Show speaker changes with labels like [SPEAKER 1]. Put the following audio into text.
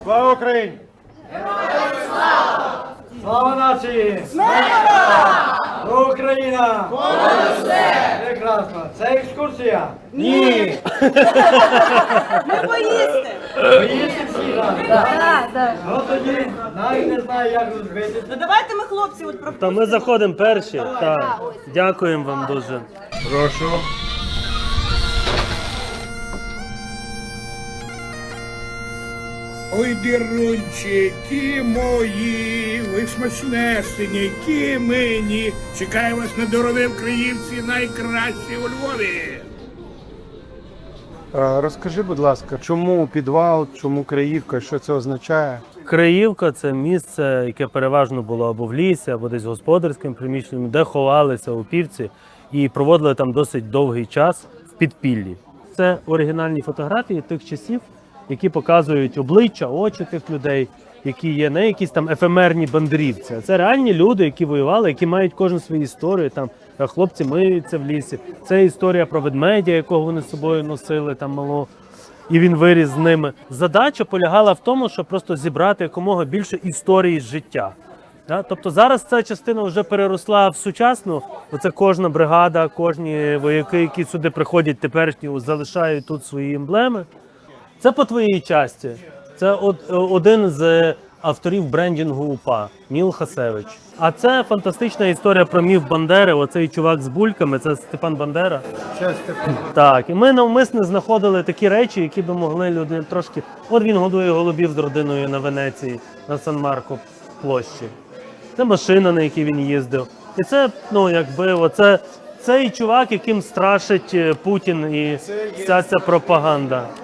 [SPEAKER 1] Слава Україні! Героям слава! Слава нації! Україна! Понад все! Прекрасно! Це екскурсія?
[SPEAKER 2] Ні! Ми поїсти!
[SPEAKER 1] Поїсти всі разом?
[SPEAKER 2] Так.
[SPEAKER 1] Ну тоді навіть не знаю, як розбити.
[SPEAKER 2] Ну давайте ми, хлопці, от про...
[SPEAKER 3] Та ми заходимо перші. Так. Дякуємо вам дуже.
[SPEAKER 1] Прошу.
[SPEAKER 4] Ой, дірунчики мої, ви смачнесенькі мені. Чекаю вас на дороги в Криївці, найкращі у Львові.
[SPEAKER 5] Розкажи, будь ласка, чому підвал, чому Криївка, що це означає?
[SPEAKER 3] Криївка – це місце, яке переважно було або в лісі, або десь господарським приміщенням, де ховалися упівці і проводили там досить довгий час в підпіллі. Це оригінальні фотографії тих часів, які показують обличчя, очі тих людей, які є не якісь там ефемерні бандрівці, а це реальні люди, які воювали, які мають кожен свою історію. Там хлопці миються в лісі. Це історія про ведмедя, якого вони з собою носили там малого, і він виріс з ними. Задача полягала в тому, щоб просто зібрати якомога більше історії з життя. Тобто зараз ця частина вже переросла в сучасну. Оце кожна бригада, кожні вояки, які сюди приходять теперішні, залишають тут свої емблеми. Це по твоїй часті. Це один з авторів брендінгу УПА, Ніл Хасевич. А це фантастична історія про міф Бандери. Оцей чувак з бульками, це Степан Бандера. Так, і ми навмисно знаходили такі речі, які би могли люди трошки... От він годує голубів з родиною на Венеції, на Сан-Марко площі. Це машина, на якій він їздив. І це, оце цей чувак, яким страшить Путін і вся ця пропаганда.